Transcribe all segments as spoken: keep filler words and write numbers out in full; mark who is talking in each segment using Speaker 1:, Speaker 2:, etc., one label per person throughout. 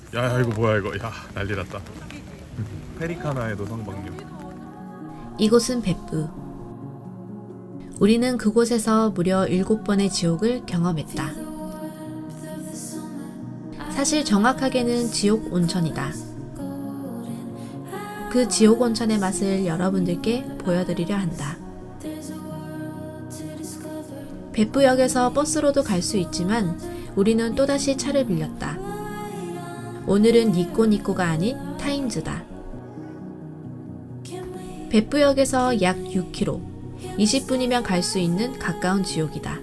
Speaker 1: 야 이거 뭐야 이거. 야 난리 났다. 페리카나에도 성방류.
Speaker 2: 이곳은 베프. 우리는 그곳에서 무려 일곱 번의 지옥을 경험했다. 사실 정확하게는 지옥 온천이다. 그 지옥 온천의 맛을 여러분들께 보여드리려 한다. 베프역에서 버스로도 갈 수 있지만 우리는 또다시 차를 빌렸다. 오늘은 니꼬니꼬가 아닌 타임즈다. 베프역에서 약 육 킬로미터, 이십 분이면 갈 수 있는 가까운 지옥이다.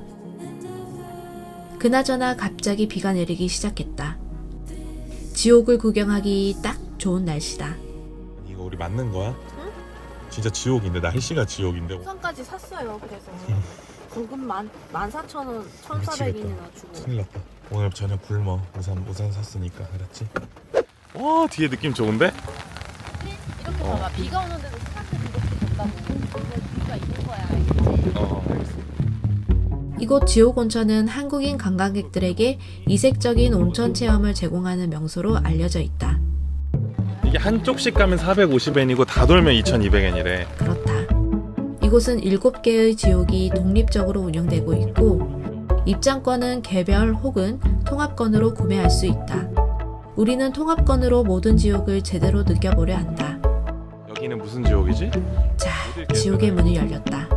Speaker 2: 그나저나 갑자기 비가 내리기 시작했다. 지옥을 구경하기 딱 좋은 날씨다.
Speaker 1: 이거 우리 맞는 거야? 응? 진짜 지옥인데 날씨가 지옥인데.
Speaker 3: 우산까지 샀어요. 그래서 공급만 만 사천 원, 천사백 원이나 주고.
Speaker 1: 큰일 났다. 오늘 저녁 굶어. 우산 우산 샀으니까 알았지? 와 뒤에 느낌 좋은데?
Speaker 3: 이렇게
Speaker 1: 어.
Speaker 3: 봐봐. 비가 오는데도 스타트 이렇게 된다고. 근데 비가 있는 거야. 알겠지?
Speaker 1: 어 알겠어.
Speaker 2: 이곳 지옥 온천은 한국인 관광객들에게 이색적인 온천 체험을 제공하는 명소로 알려져 있다.
Speaker 1: 이게 한쪽씩 가면 사백오십 엔이고 다 돌면 이천이백 엔이래.
Speaker 2: 그렇다. 이곳은 일곱 개의 지옥이 독립적으로 운영되고 있고 입장권은 개별 혹은 통합권으로 구매할 수 있다. 우리는 통합권으로 모든 지옥을 제대로 느껴보려 한다.
Speaker 1: 여기는 무슨 지옥이지?
Speaker 2: 자, 지옥의 문이 열렸다.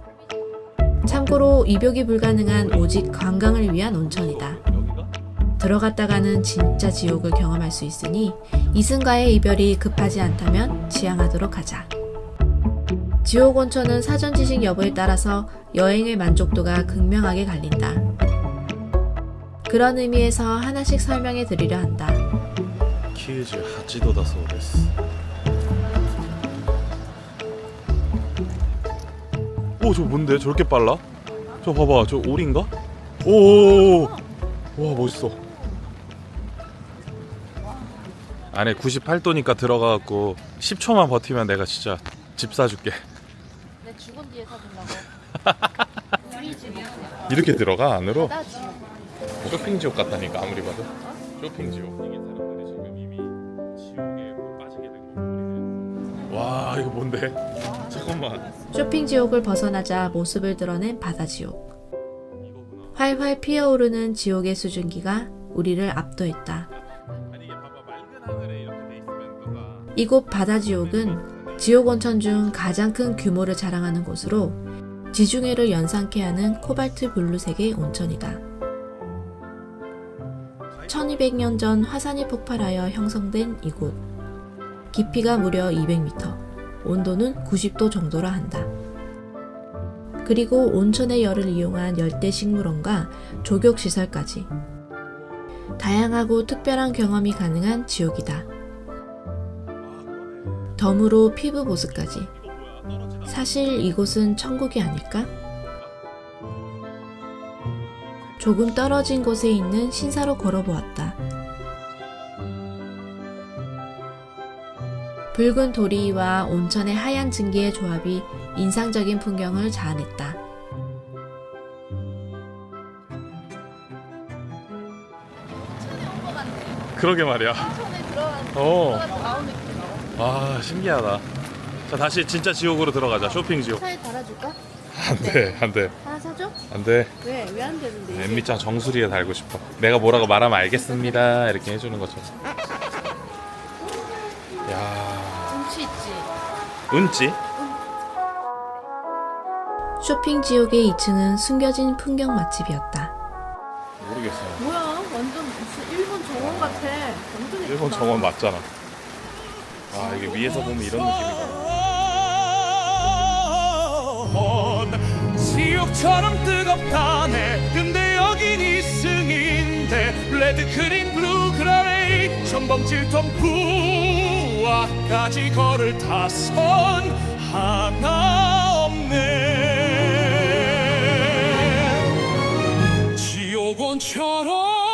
Speaker 2: 참고로 입욕이 불가능한 오직 관광을 위한 온천이다.
Speaker 1: 여기가?
Speaker 2: 들어갔다가는 진짜 지옥을 경험할 수 있으니 이승과의 이별이 급하지 않다면 지향하도록 하자. 지옥 온천은 사전 지식 여부에 따라서 여행의 만족도가 극명하게 갈린다. 그런 의미에서 하나씩 설명해 드리려 한다.
Speaker 1: 키즈 하치도다 소데스. 오, 저 뭔데? 저렇게 빨라? 저 봐봐, 저 오리인가? 오, 와 멋있어. 안에 구십팔 도니까 들어가갖고 십 초만 버티면 내가 진짜 집 사줄게.
Speaker 3: 내 죽은 뒤에 사준다고. 우리 집
Speaker 1: 이렇게 들어가 안으로?
Speaker 3: 나 집.
Speaker 1: 쇼핑 지옥 같다니까 아무리 봐도. 쇼핑 지옥. 이게 사람들이 지금 이미 지옥에 빠지게 된 거. 와 이거 뭔데? 잠깐만.
Speaker 2: 쇼핑 지옥을 벗어나자 모습을 드러낸 바다 지옥. 활활 피어오르는 지옥의 수증기가 우리를 압도했다. 이곳 바다 지옥은 지옥 온천 중 가장 큰 규모를 자랑하는 곳으로 지중해를 연상케 하는 코발트 블루색의 온천이다. 천이백 년 전 화산이 폭발하여 형성된 이곳. 깊이가 무려 이백 미터, 온도는 구십 도 정도라 한다. 그리고 온천의 열을 이용한 열대 식물원과 조격 시설까지. 다양하고 특별한 경험이 가능한 지옥이다. 덤으로 피부 보습까지. 사실 이곳은 천국이 아닐까? 조금 떨어진 곳에 있는 신사로 걸어보았다. 붉은 도리와 온천의 하얀 증기의 조합이 인상적인 풍경을 자아냈다.
Speaker 1: 그러게 말이야.
Speaker 3: 손에 들어간
Speaker 1: 어.
Speaker 3: 나온 느낌.
Speaker 1: 아 신기하다. 자 다시 진짜 지옥으로 들어가자. 쇼핑 지옥.
Speaker 3: 차에 달아줄까?
Speaker 1: 안돼 안돼
Speaker 3: 하나 사줘?
Speaker 1: 안돼.
Speaker 3: 왜? 왜 안 되는데? 이제?
Speaker 1: 엠미짱 정수리에 달고 싶어. 내가 뭐라고 말하면 알겠습니다 이렇게 해주는 것처럼. 야
Speaker 3: 운치 있지?
Speaker 1: 은지?
Speaker 2: 쇼핑 지옥의 이 층은 숨겨진 풍경 맛집이었다.
Speaker 1: 모르겠어요.
Speaker 3: 뭐야? 완전 무슨 일본 정원 같아. 완전
Speaker 1: 일본
Speaker 3: 예쁘다.
Speaker 1: 정원 맞잖아. 아 이게 위에서 보면 이런 느낌이구나.
Speaker 4: 지옥처럼 뜨겁다네. 근데 여긴 이승인데 레드 그린 블루 그라레이 전범 질통 부와까지 걸을 타선 하나 없네. 지옥 온처럼.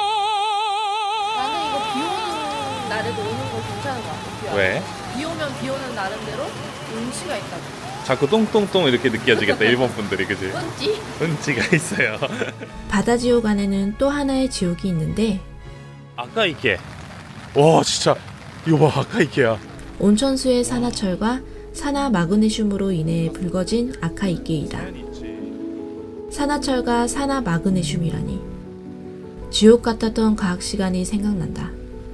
Speaker 3: 나는 이거 비 오는 날에도 오는 거 괜찮은 것 같아. 비 와.
Speaker 1: 왜?
Speaker 3: 비 오면 비 오는 나름대로 운치가 있다고.
Speaker 1: 자꾸 똥똥똥 이렇게 느껴지겠다 일본 분들이 그지?
Speaker 3: 운치?
Speaker 1: 은지가 있어요.
Speaker 2: 바다 지옥 안에는 또 하나의 지옥이 있는데
Speaker 1: 아까 이게 와 진짜 이거 봐 아카이케야.
Speaker 2: 온천수의 산화철과 산화 마그네슘으로 인해 붉어진 아카이케이다. 산화철과 산화 마그네슘이라니. 지옥 같았던 과학 시간이 생각난다.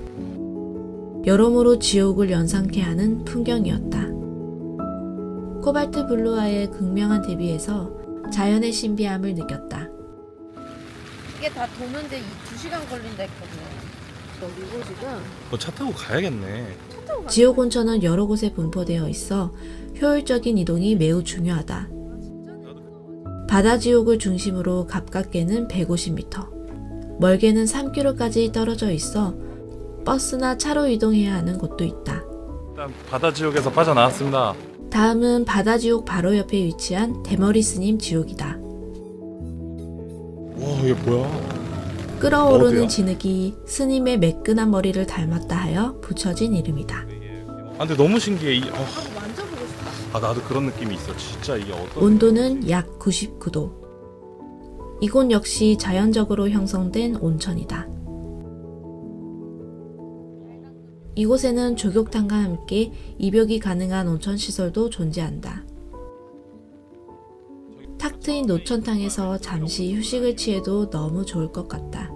Speaker 2: 여러모로 지옥을 연상케 하는 풍경이었다. 코발트 블루와의 극명한 대비에서 자연의 신비함을 느꼈다.
Speaker 3: 이게 다 도는데 두 시간 걸린다 했거든. 그리고 지금
Speaker 1: 뭐 차 타고 가야겠네.
Speaker 2: 지옥 온천은 여러 곳에 분포되어 있어 효율적인 이동이 매우 중요하다. 바다 지옥을 중심으로 가깝게는 백오십 미터, 멀게는 삼 킬로미터까지 떨어져 있어 버스나 차로 이동해야 하는 곳도 있다.
Speaker 1: 일단 바다 지옥에서 빠져나왔습니다.
Speaker 2: 다음은 바다 지옥 바로 옆에 위치한 대머리 스님 지옥이다.
Speaker 1: 와 이게 뭐야?
Speaker 2: 끓어오르는
Speaker 1: 어디야?
Speaker 2: 진흙이 스님의 매끈한 머리를 닮았다 하여 붙여진 이름이다.
Speaker 1: 아 근데 너무 신기해. 이, 어,
Speaker 3: 만져보고 싶다.
Speaker 1: 아 나도 그런 느낌이 있어. 진짜 이게 어떤?
Speaker 2: 온도는 약 구십구 도. 이곳 역시 자연적으로 형성된 온천이다. 이곳에는 조격탕과 함께 입욕이 가능한 온천 시설도 존재한다. 탁 트인 노천탕에서 잠시 휴식을 취해도 너무 좋을 것 같다.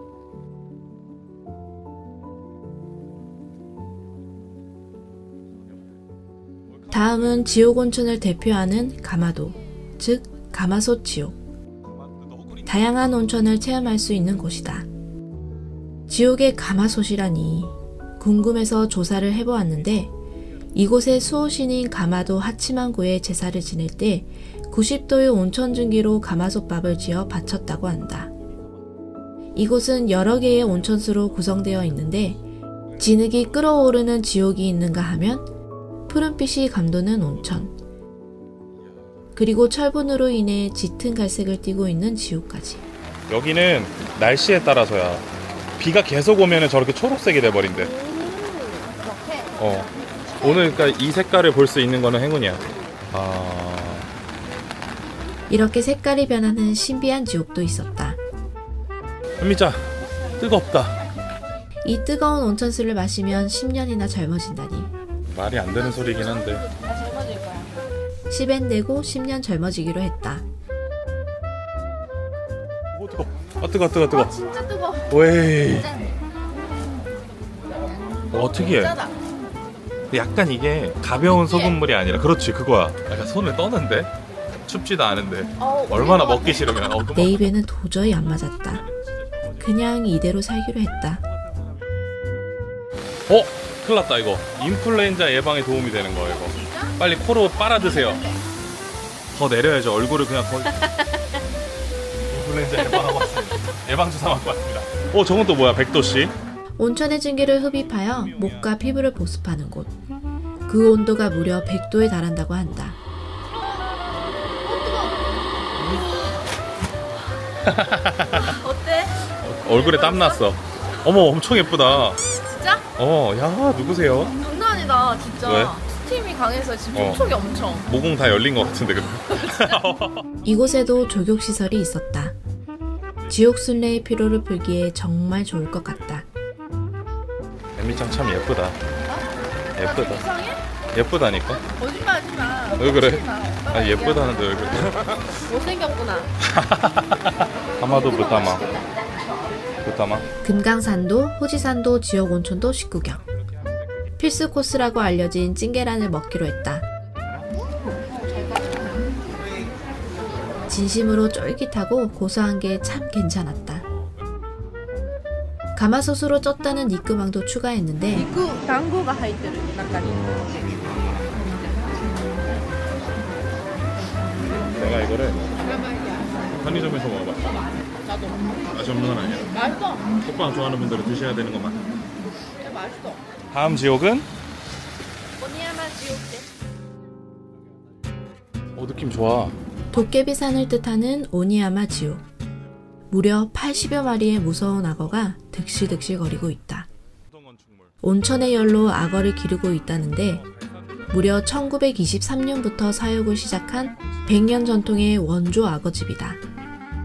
Speaker 2: 다음은 지옥 온천을 대표하는 가마도, 즉 가마솥 지옥. 다양한 온천을 체험할 수 있는 곳이다. 지옥의 가마솥이라니 궁금해서 조사를 해보았는데 이곳의 수호신인 가마도 하치만고의 제사를 지낼 때 구십 도의 온천 증기로 가마솥밥을 지어 바쳤다고 한다. 이곳은 여러 개의 온천수로 구성되어 있는데 진흙이 끓어오르는 지옥이 있는가 하면 푸른빛이 감도는 온천, 그리고 철분으로 인해 짙은 갈색을 띠고 있는 지옥까지.
Speaker 1: 여기는 날씨에 따라서야. 비가 계속 오면 저렇게 초록색이 돼버린대.
Speaker 3: 그렇게
Speaker 1: 어. 오늘 그러니까 이 색깔을 볼 수 있는 거는 행운이야. 아.
Speaker 2: 이렇게 색깔이 변하는 신비한 지옥도 있었다.
Speaker 1: 현미자 뜨겁다.
Speaker 2: 이 뜨거운 온천수를 마시면 십 년이나 젊어진다니.
Speaker 1: 말이 안 되는 소리긴 한데.
Speaker 3: 나 젊어질 거야.
Speaker 2: 십엔 내고 십 년 젊어지기로 했다.
Speaker 1: 오 뜨거. 아 뜨거 뜨거 뜨거.
Speaker 3: 진짜 뜨거.
Speaker 1: 웨이.
Speaker 3: 짠.
Speaker 1: 어 특이해.
Speaker 3: 짜다.
Speaker 1: 약간 이게 가벼운 소금물이 아니라 그렇지 그거야. 약간 손을 떠는데 춥지도 않은데
Speaker 3: 어,
Speaker 1: 얼마나
Speaker 3: 우리가
Speaker 1: 먹기 싫으면. 어,
Speaker 2: 내 입에는 도저히 안 맞았다. 그냥 이대로 살기로 했다.
Speaker 1: 어? 큰일 났다 이거. 인플루엔자 예방에 도움이 되는 거예요 이거. 빨리 코로 빨아 드세요. 더 내려야죠. 얼굴을 그냥 거의. 인플루엔자 예방하고 왔습니다. 예방 주사 맞고 왔습니다. 어 저건 또 뭐야? 백도씨?
Speaker 2: 온천의 증기를 흡입하여 목과 피부를 보습하는 곳. 그 온도가 무려 백 도에 달한다고 한다.
Speaker 3: 어때?
Speaker 1: 얼굴에 땀 났어. 어머 엄청 예쁘다.
Speaker 3: 진짜?
Speaker 1: 어, 야 누구세요?
Speaker 3: 장난 아니다 진짜.
Speaker 1: 왜?
Speaker 3: 스팀이 강해서 지금
Speaker 1: 어.
Speaker 3: 촉촉이 엄청.
Speaker 1: 모공 다 열린 것 같은데 근데.
Speaker 2: 이곳에도 조격시설이 있었다. 지옥 순례의 피로를 풀기에 정말 좋을 것 같다.
Speaker 1: 엠미짱 참 예쁘다.
Speaker 3: 나
Speaker 1: 예쁘다.
Speaker 3: 이상해?
Speaker 1: 예쁘다니까.
Speaker 3: 거짓말하지 마.
Speaker 1: 왜 그래?
Speaker 3: 거짓말. 오빠가
Speaker 1: 아
Speaker 3: 얘기하는
Speaker 1: 예쁘다는데 왜 그래?
Speaker 3: 거. 못생겼구나.
Speaker 1: 하마도 부타마. 부타마.
Speaker 2: 금강산도, 호지산도, 지옥 온천도 식구경. 필수 코스라고 알려진 찐계란을 먹기로 했다. 진심으로 쫄깃하고 고소한 게 참 괜찮았다. 가마솥으로 쪘다는 니끄망도 추가했는데
Speaker 3: 이구 당고가 하이테르 나까지.
Speaker 1: 내가 이거를 편의점에서 먹어봤어.
Speaker 3: 나도.
Speaker 1: 맛이 없는 건 아니야.
Speaker 3: 맛있어.
Speaker 1: 호빵 좋아하는 분들은 드셔야 되는 것만.
Speaker 3: 진짜 맛있어.
Speaker 1: 다음 지옥은?
Speaker 3: 오니야마 지옥대.
Speaker 1: 어 느낌 좋아.
Speaker 2: 도깨비산을 뜻하는 오니야마 지옥. 무려 팔십여 마리의 무서운 악어가 득실득실 거리고 있다. 온천의 열로 악어를 기르고 있다는데 무려 천구백이십삼 년부터 사육을 시작한 백 년 전통의 원조 악어집이다.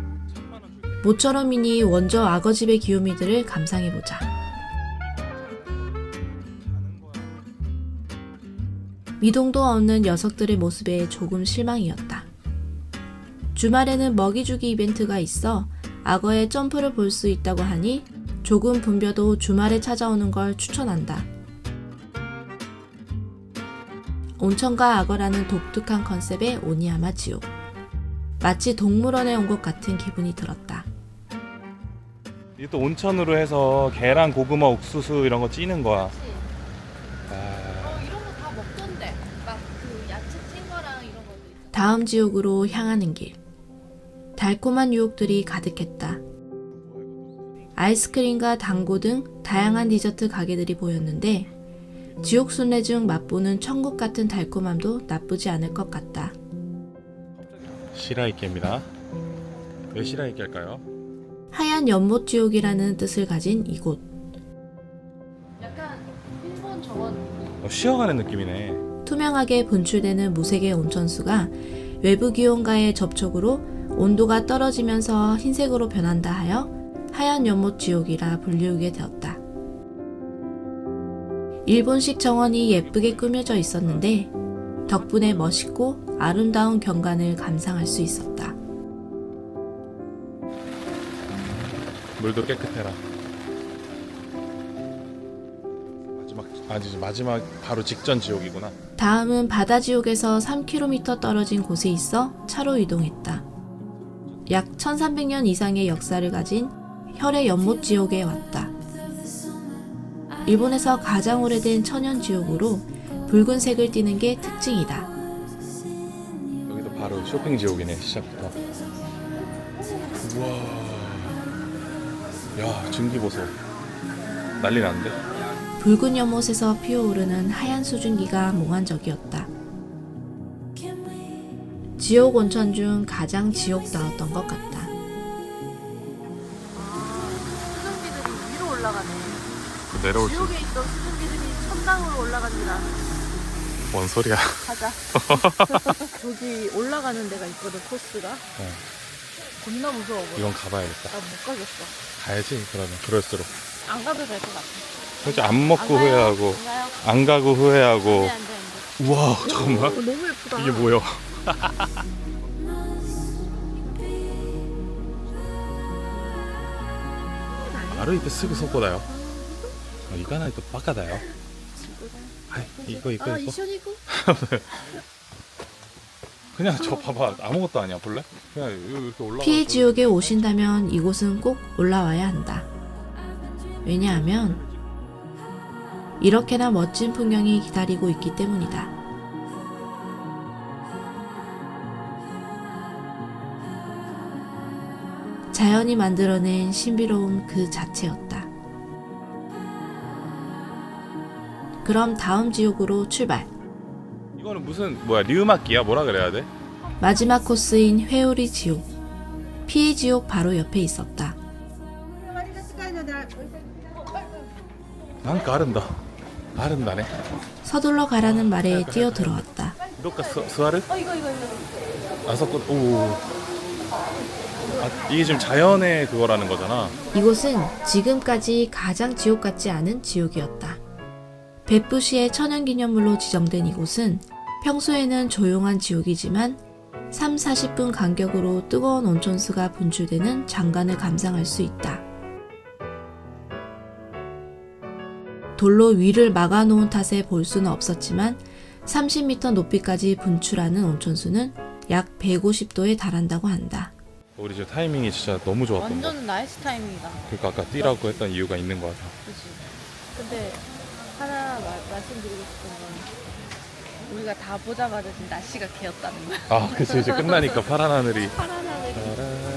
Speaker 2: 모처럼이니 원조 악어집의 귀요미들을 감상해보자. 미동도 없는 녀석들의 모습에 조금 실망이었다. 주말에는 먹이주기 이벤트가 있어 악어의 점프를 볼 수 있다고 하니 조금 붐벼도 주말에 찾아오는 걸 추천한다. 온천과 악어라는 독특한 컨셉의 오니야마 지옥. 마치 동물원에 온 것 같은 기분이 들었다.
Speaker 1: 이게 또 온천으로 해서 계란, 고구마, 옥수수 이런 거 찌는 거야.
Speaker 3: 어, 이런 거 다 먹던데. 막 그 야채 찐 거랑 이런 거.
Speaker 2: 다음 지옥으로 향하는 길. 달콤한 유혹들이 가득했다. 아이스크림과 당고 등 다양한 디저트 가게들이 보였는데 지옥 순례 중 맛보는 천국 같은 달콤함도 나쁘지 않을 것 같다.
Speaker 1: 시라이케입니다. 왜 시라이케 할까요?
Speaker 2: 하얀 연못 지옥이라는 뜻을 가진 이곳.
Speaker 3: 약간 일본 정원.
Speaker 1: 어, 쉬어가는 느낌이네.
Speaker 2: 투명하게 분출되는 무색의 온천수가 외부 기온과의 접촉으로 온도가 떨어지면서 흰색으로 변한다 하여 하얀 연못 지옥이라 불리우게 되었다. 일본식 정원이 예쁘게 꾸며져 있었는데 덕분에 멋있고 아름다운 경관을 감상할 수 있었다.
Speaker 1: 물도 깨끗해라. 마지막 아니지 마지막 바로 직전 지옥이구나.
Speaker 2: 다음은 바다 지옥에서 삼 킬로미터 떨어진 곳에 있어 차로 이동했다. 약 천삼백 년 이상의 역사를 가진 혈의 연못 지옥에 왔다. 일본에서 가장 오래된 천연 지옥으로 붉은색을 띠는 게 특징이다.
Speaker 1: 여기도 바로 쇼핑 지옥이네. 시작부터. 우와. 야, 증기 보소. 난리 났는데?
Speaker 2: 붉은 연못에서 피어오르는 하얀 수증기가 몽환적이었다. 지옥 온천 중 가장 지옥다웠던 것 같다.
Speaker 3: 수증기들이 위로 올라가네.
Speaker 1: 내려올 수.
Speaker 3: 지옥에 있던 수증기들이 천당으로 올라갑니다.
Speaker 1: 뭔 소리야?
Speaker 3: 가자. 저기 올라가는 데가 있거든, 코스가.
Speaker 1: 어,
Speaker 3: 겁나 무서워 보여.
Speaker 1: 이건 가봐야겠다.
Speaker 3: 나 못 가겠어.
Speaker 1: 가야지. 그러면 그럴수록.
Speaker 3: 안 가도 될 것 같아.
Speaker 1: 솔직히 안 먹고
Speaker 3: 안 가요?
Speaker 1: 후회하고
Speaker 3: 안 가요?
Speaker 1: 안 가고 후회하고.
Speaker 3: 안 돼, 안 돼, 안 돼.
Speaker 1: 우와, 잠깐만.
Speaker 3: 어, 너무 예쁘다.
Speaker 1: 이게 뭐야? 바로 이때 쓰고 속고다요. 아, 이거는 또 바카다요. 아이, 이거 이거
Speaker 3: 아,
Speaker 1: 이거.
Speaker 3: 이션이고?
Speaker 1: 그냥 저 봐봐. 아무것도 아니야. 볼래? 그냥 이렇게 올라가.
Speaker 2: 피해 지옥에 오신다면 이곳은 꼭 올라와야 한다. 왜냐하면 이렇게나 멋진 풍경이 기다리고 있기 때문이다. 자연이 만들어낸 신비로움 그 자체였다. 그럼 다음 지옥으로 출발.
Speaker 1: 이거는 무슨 뭐야? 리우마키야? 뭐라 그래야 돼?
Speaker 2: 마지막 코스인 회오리 지옥. 피해 지옥 바로 옆에 있었다.
Speaker 1: 난가 아른다. 아른다네.
Speaker 2: 서둘러 가라는 말에 뛰어들어왔다.
Speaker 1: 이렇게 스와르?
Speaker 3: 어, 이거, 이거, 이거.
Speaker 1: 아서코 오. 아, 이게 지금 자연의 그거라는 거잖아.
Speaker 2: 이곳은 지금까지 가장 지옥 같지 않은 지옥이었다. 베푸시의 천연기념물로 지정된 이곳은 평소에는 조용한 지옥이지만 삼, 사십 분 간격으로 뜨거운 온천수가 분출되는 장관을 감상할 수 있다. 돌로 위를 막아놓은 탓에 볼 수는 없었지만 삼십 미터 높이까지 분출하는 온천수는 약 백오십 도에 달한다고 한다.
Speaker 1: 우리 지금 타이밍이 진짜 너무 좋았던 거.
Speaker 3: 완전 나이스 타이밍이다.
Speaker 1: 그러니까 아까 뛰라고 했던 이유가 있는 거 같아.
Speaker 3: 그치. 근데 하나 마, 말씀드리고 싶은 건 우리가 다 보자마자 지금 날씨가 개었다는 거야.
Speaker 1: 아, 그치. 이제 끝나니까 파란 하늘이.
Speaker 3: 파란 하늘이.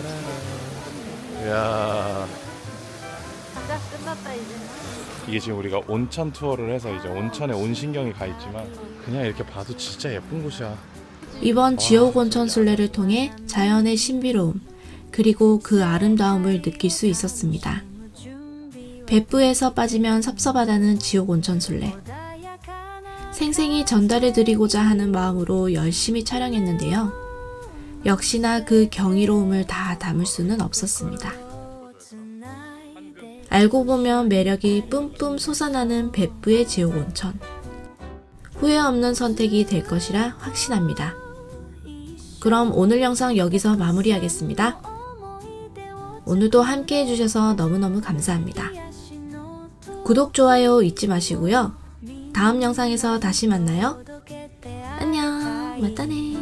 Speaker 1: 야,
Speaker 3: 가자, 끝났다 이제.
Speaker 1: 이게 지금 우리가 온천 투어를 해서 이제 온천에 온 신경이 가 있지만 그냥 이렇게 봐도 진짜 예쁜 곳이야.
Speaker 2: 이번 지옥 온천 순례를 통해 자연의 신비로움 그리고 그 아름다움을 느낄 수 있었습니다.別府에서 빠지면 섭섭하다는 지옥 온천 순례. 생생히 전달해 드리고자 하는 마음으로 열심히 촬영했는데요. 역시나 그 경이로움을 다 담을 수는 없었습니다. 알고 보면 매력이 뿜뿜 솟아나는別府의 지옥 온천. 후회 없는 선택이 될 것이라 확신합니다. 그럼 오늘 영상 여기서 마무리하겠습니다. 오늘도 함께 해주셔서 너무너무 감사합니다. 구독, 좋아요 잊지 마시고요. 다음 영상에서 다시 만나요. 안녕, 맞다네.